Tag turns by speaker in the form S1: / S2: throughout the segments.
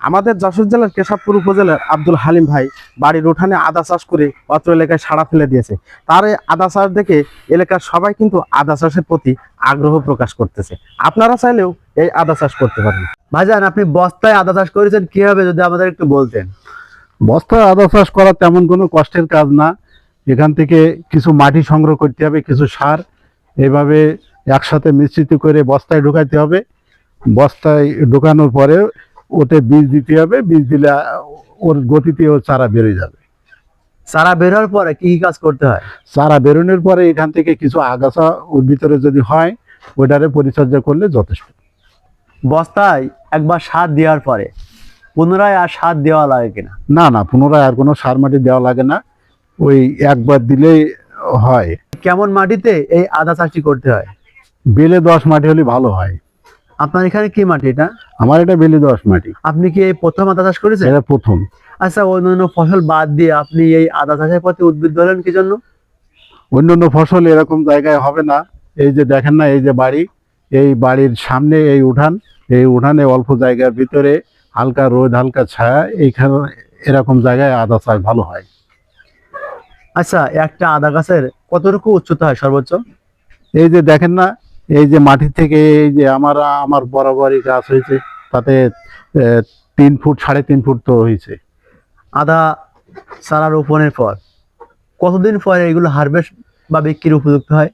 S1: আমাদের যশোর জেলার কেশবপুর উপজেলার আব্দুল হালিম ভাই বাড়ির উঠানে আদা চাষ করে অত্র এলাকায় সাড়া ফেলে দিয়েছে। তার এই আদা চাষ দেখে এলাকার সবাই কিন্তু আদা চাষের প্রতি আগ্রহ প্রকাশ করতেছে। আপনারা চাইলেও এই আদা চাষ করতে পারেন।
S2: ভাইজান, আপনি বস্তায় আদা চাষ করেছেন কিভাবে, যদি আমাদের একটু বলতেন।
S3: বস্তায় আদা চাষ করা তেমন কোনো কষ্টের কাজ না। এখান থেকে কিছু মাটি সংগ্রহ করতে হবে, কিছু সার এভাবে একসাথে মিশ্রিত করে বস্তায় ঢোকাতে হবে। বস্তায় ঢোকানোর পরে ওতে বীজ দিতে হবে, বীজ দিলে ওর গতিতে ওর চারা বেরোয় যাবে।
S2: চারা বের হওয়ার পরে কি কি কাজ করতে হয়?
S3: চারা বেরোনোর পরে এখান থেকে কিছু আগাছা ওর ভিতরে যদি হয়, ওইটারে পরিচর্যা করলে যথেষ্ট।
S2: বস্তায় একবার সার দেওয়ার পরে পুনরায় আর সার দেওয়া লাগে কিনা?
S3: না না, পুনরায় আর কোনো সার মাটি দেওয়া লাগে না, ওই একবার দিলেই হয়।
S2: কেমন মাটিতে এই আদা চাষটি করতে হয়?
S3: বেলে 10 মাটি হলে ভালো হয়।
S2: আপনার এখানে কি মাটি এটা?
S3: আমার এটা বেলে 10 মাটি।
S2: আপনি কি এই প্রথম আদা চাষ করেছেন?
S3: এটা প্রথম।
S2: আচ্ছা, অন্যান্য ফসল বাদ দিয়ে আপনি এই আদা চাষের প্রতি উদ্বুদ্ধ হলেন কি জন্য?
S3: অন্যান্য ফসল এরকম জায়গায় হবে না। এই যে দেখেন না, এই যে বাড়ি, এই বাড়ির সামনে এই উঠান, এই উঠানে অল্প জায়গার ভিতরে হালকা রোদ হালকা ছায়া, এইখানে এরকম জায়গায় আদা চাষ ভালো হয়।
S2: আচ্ছা, একটা আদা গাছের কতটুকু উচ্চতা হয় সর্বোচ্চ?
S3: এই যে দেখেন না, এই যে মাটি থেকে এই যে আমার বরাবরই গাছ হয়েছে, তাতে 3 ফুট 3.5 ফুট তো হয়েছে।
S2: আদা চারা রোপণের পর কতদিন পরে এগুলো হারভেস্ট বা বিক্রির উপযুক্ত হয়?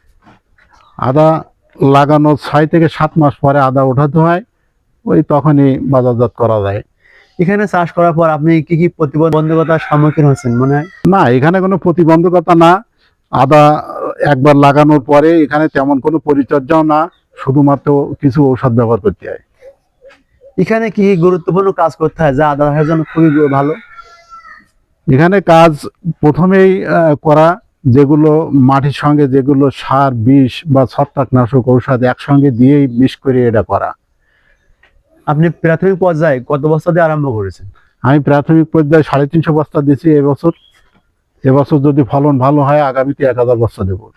S3: আদা লাগানোর 6 থেকে 7 মাস পরে আদা ওঠাতে হয়, ওই তখনই বাজারজাত করা যায়।
S2: এখানে চাষ করার পর আপনি কি কি প্রতিবন্ধকতার সম্মুখীন হচ্ছেন মনে হয়?
S3: না, এখানে কোনো প্রতিবন্ধকতা না। আদা একবার লাগানোর পরে এখানে তেমন কোনো পরিচর্যাও না, শুধুমাত্র কিছু ঔষধ ব্যবহার করতে হয়।
S2: এখানে কি কি গুরুত্বপূর্ণ কাজ করতে হয় যা আদা চাষের জন্য খুবই ভালো?
S3: এখানে কাজ প্রথমেই করা, যেগুলো মাটির সঙ্গে যেগুলো সার বিষ বা ছত্রাকনাশক ঔষধ একসঙ্গে দিয়েই মিশ করে এটা করা।
S2: আপনি প্রাথমিক পর্যায়ে কত বস্তা দিয়ে আরম্ভ করেছেন?
S3: আমি প্রাথমিক পর্যায়ে 350 বস্তা দিছি এবছর। এবছর যদি ফলন ভালো হয় আগামীতে 1000 বস্তা দেবো।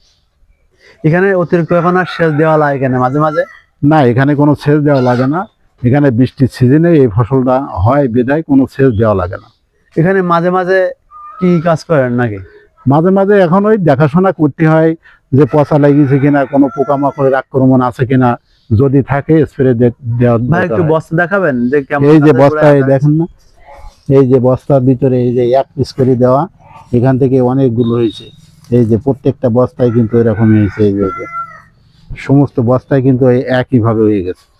S2: এখানে অতিরিক্ত এখন আর সেচ দেওয়া লাগে কেন মাঝে মাঝে?
S3: না, এখানে কোনো সেচ দেওয়া লাগে না। এখানে বৃষ্টির সিজনে এই ফসলটা হয় বিধায় কোনো সেচ দেওয়া লাগে না।
S2: এখানে মাঝে মাঝে কি কাজ করেন নাকি?
S3: মাঝে মাঝে এখন ওই দেখাশোনা করতে হয় যে পচা লাগিয়েছে কিনা, কোনো পোকামাকড়ের আক্রমণ আছে কিনা, যদি থাকে স্প্রে দেওয়া।
S2: ভাই একটু বস্তা দেখাবেন যে কেমন?
S3: এই যে
S2: আদা
S3: বস্তায়
S2: গোড়ায়
S3: দেখেন না, এই যে বস্তার ভিতরে এই যে 1 পিস করে দেওয়া, এখান থেকে অনেকগুলো হয়েছে। এই যে প্রত্যেকটা বস্তায় কিন্তু এরকমই হয়েছে। এই যে সমস্ত বস্তায় কিন্তু একইভাবে হয়ে গেছে।